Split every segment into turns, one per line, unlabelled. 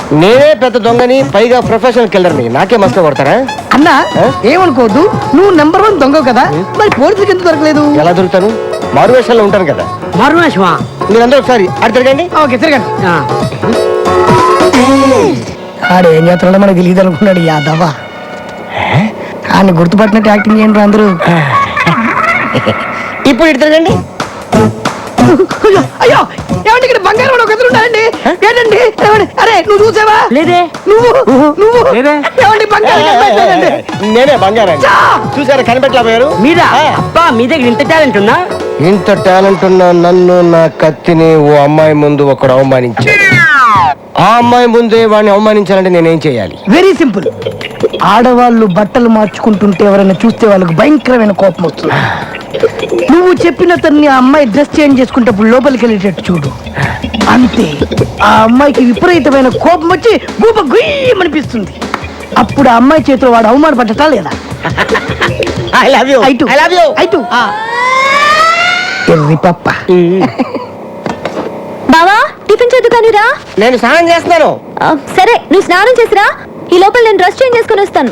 నేనే పెద్ద దొంగని, పైగా ప్రొఫెషనల్ కిల్లర్ని. నాకే మస్తు కొడతారా
అన్నా? ఏమనుకోవద్దు, నువ్వు నెంబర్ 1 దొంగ కదా, మరి పోలీసులకు ఎందుకు దొరకలేదు?
ఎలా దొరుకుతాను? మారువేషాల్లో ఉంటాను కదా.
మారువేషమా?
మీరందరూ ఒకసారి అటు తిరగండి.
ఓకే, తిరగండి. ఆడు ఏం చేస్తున్నాడో మనకు తెలియదు అనుకున్నాడు యాదవా. ఆయన గుర్తుపట్టినట్టు యాక్టింగ్ చేయండి అందరూ.
ఇప్పుడు ఇటు తిరగండి.
అయ్యో, ఏమంటే ఇక్కడ బంగారం ఒక ఎదురు ఉన్నాయండి. ఏంటండి? అరే నువ్వు చూసావా? లేదే. నువ్వు ఏమండి బంగారం కనిపెట్టలేదండి.
నేనే బంగారం. చూసారా కనిపెట్టలేకపోయారు?
మీద అబ్బా, మీ దగ్గర ఇంత టాలెంట్ ఉన్నా?
ఇంత టాలెంట్ ఉన్న నన్ను, నా కత్తిని ఓ అమ్మాయి ముందు ఒకడు అవమానించాడు. ఆ అమ్మాయి ముందే వాడిని అవమానించాలంటే నేనేం చేయాలి?
Very simple. ఆడవాళ్ళు బట్టలు మార్చుకుంటుంటే ఎవరైనా చూస్తే వాళ్ళకి భయంకరమైన కోపం వస్తుంది. నువ్వు చెప్పిన తన్ని ఆ అమ్మాయి డ్రెస్ చేంజ్ చేసుకుంటప్పుడు లోపలికి వెళ్ళేటట్టు చూడు. అంతే, ఆ అమ్మాయికి విపరీతమైన కోపం వచ్చి గూప గుయ్యమనిపిస్తుంది. అప్పుడు ఆ అమ్మాయి చేతిలో వాడు అవమానపడ్డటా లేదా? పప్ప
బావా, టిఫిన్ చదువుకానిరా.
నేను స్నానం చేస్తున్నాను.
సరే, నువ్వు స్నానం చేసిరా. ఈ లోపల నేను డ్రెస్ చేంజ్ చేసుకుని వస్తాను.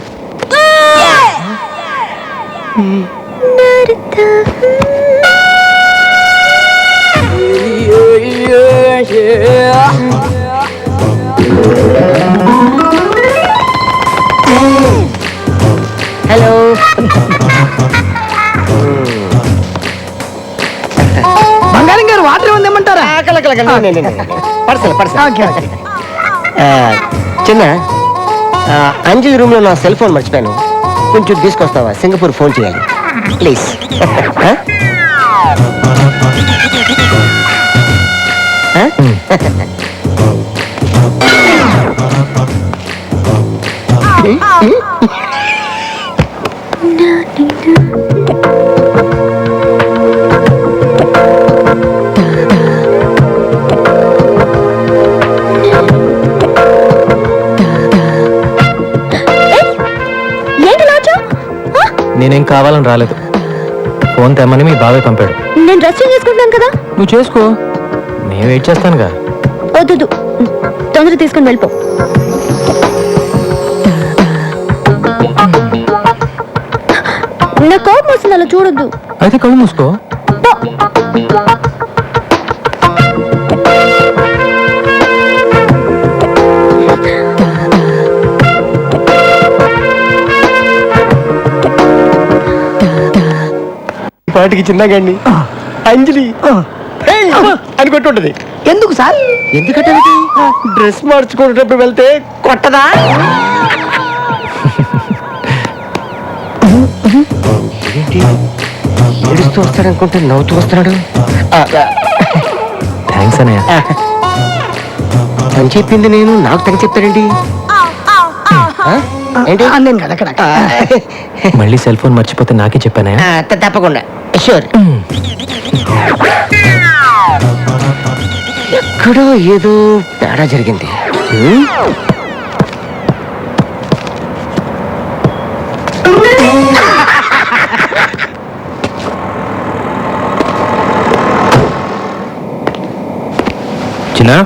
హలో.
బంగారం గారు, వాటర్ ఏమందేమంటారా?
చిన్న, అంజలి రూమ్ లో నా సెల్ ఫోన్ మర్చిపోయాను. కొంచెం తీసుకొస్తావా? సింగపూర్ ఫోన్ చేయాలి ప్లీజ్.
నేనేం కావాలని రాలేదు. ఫోన్ తెమ్మని మీ బాబాయ్ పంపాడు.
నేను డ్రెస్ చేంజ్ చేసుకుంటున్నాను కదా.
నువ్వు చేసుకో, నేను వెయిట్ చేస్తానుగా.
వద్దు, తొందరగా తీసుకుని వెళ్ళిపో. నా కోపం వస్తుంది, అలా చూడొద్దు.
అయితే కళ్ళు మూసుకో.
పాటికి చిన్నగాండి అంజలి అని కొట్టుంటది.
ఎందుకు సార్?
ఎందుకంటే డ్రెస్ మార్చుకునేటప్పుడు వెళ్తే కొట్టదా? ఏంటి ఏడుస్తూ వస్తాడనుకుంటే నవ్వుతూ వస్తున్నాడు.
థ్యాంక్స్ అన్నయ్య.
అని చెప్పింది నేను, నాకు తగ్గ చెప్తాడేంటి? ఏంటి
నేను కదా అక్కడ
మళ్ళీ సెల్ ఫోన్ మర్చిపోతే నాకే చెప్పానా?
తప్పకుండా షూర్. ఎక్కడో ఏదో తేడా జరిగింది.
చిన్నా,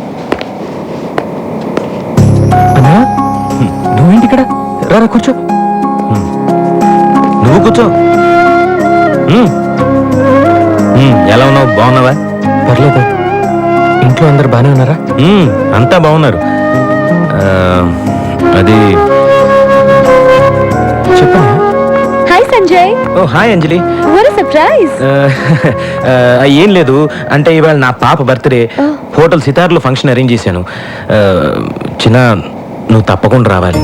నువ్వేంటి ఇక్కడ? రారా కూర్చో. నువ్వు కూర్చో. ఎలా ఉన్నావు? బాగున్నావా? పర్లేదు. ఇంట్లో అందరు బాగానే ఉన్నారా? అంతా బాగున్నారు. అది చెప్పనా?
Hi Sanjay.
Oh hi Anjali.
What a surprise.
ఏం లేదు, అంటే ఇవాళ నా పాప బర్త్డే. హోటల్ సితార్లో ఫంక్షన్ అరేంజ్ చేశాను. చిన్న, నువ్వు తప్పకుండా రావాలి.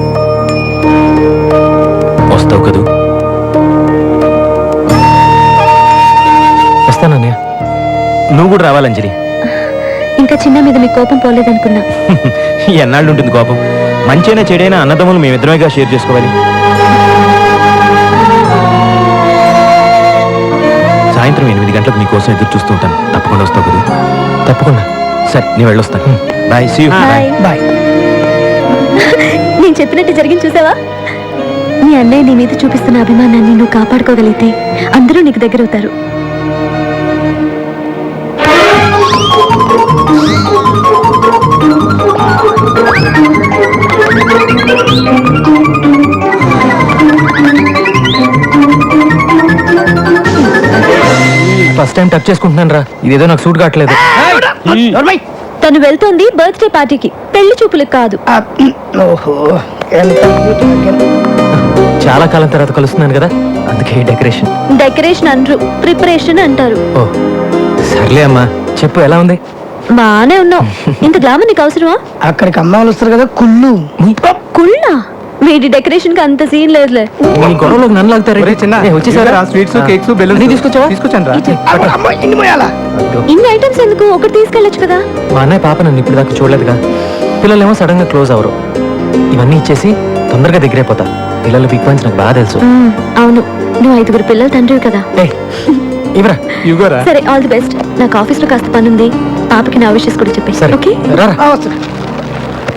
వస్తావు కదూ? వస్తానన్నయ్య. నువ్వు కూడా రావాలి అంజలి.
ఇంకా చిన్న మీద మీ కోపం పోలేదనుకున్నా.
ఎన్నాళ్ళు ఉంటుంది కోపం? మంచైనా చెడైనా అన్నదమ్ములు మేమిద్దరమేగా షేర్ చేసుకోవాలి. సాయంత్రం 8 గంటలకు మీకోసం ఎదురు చూస్తూ ఉంటాను. తప్పకుండా వస్తావు కదా? తప్పకుండా. సరే, నేను వెళ్ళొస్తాను. బాయ్. See you.
బాయ్.
నేను చెప్పినట్టు జరిగింది చూసావా? నీ అన్నయ్య నీ మీద చూపిస్తున్న అభిమానాన్ని నువ్వు కాపాడుకోగలిగితే అందరూ నీకు దగ్గర అవుతారు.
ఫస్ట్ టైం టచ్ చేసుకుంటున్నాను రా, ఇదేదో నాకు సూట్ కావట్లేదు.
నోర్మై.
తను వెళ్తోంది బర్త్డే పార్టీకి, పెళ్లి చూపులకు కాదు.
ఓహో, ఎంత
చాలా కాలం తర్వాత కలుస్తున్నాను కదా, అందుకే డెకరేషన్.
డెకరేషన్ అనరు, ప్రిపరేషన్ అంటారు.
ఓ సర్లే అమ్మా, చెప్పు ఎలా ఉంది?
బానే ఉన్నావు. ఇంత గ్లామర్ నీకు అవసరమా?
అక్కడికి అమ్మాయిలు వస్తారు కదా, కుళ్ళు.
కుళ్ళా? వీడి డెకరేషన్ కి అంత సీన్ లేదులే.
నీ గొడవలోకి నన్ను లాగుతారు. వచ్చేసారా?
స్వీట్స్ కేక్స్ బెలూన్స్
నీ తీసుకొచ్చావా?
తీసుకొచ్చాను రా.
అమ్మాయి ఇన్ని పోయాలా?
ఇన్ని ఐటమ్స్ ఎందుకు? ఒకటి తీసుకెళ్ళొచ్చు కదా.
మా అన్నయ్య పాప నన్ను ఇప్పుడు దాకా చూడలేదుగా, పిల్లలేమో సడన్ గా క్లోజ్ అవరు. ఇవన్నీ ఇచ్చేసి తొందరగా దగ్గరైపోతా. పిల్లలు బిగ్ పాయింట్స్ నాకు బాగా తెలుసు.
అవును, నువ్వు 5 పిల్లలు తండ్రివి కదా.
ఇవరా
ఇవ్వరా.
సరే, ఆల్ ది బెస్ట్. నాకు ఆఫీస్ లో కాస్త పని ఉంది. పాపకి నా విషయస్ కూడా చెప్పేసి.
సరే
ఓకే.
రారా.
వస్తా.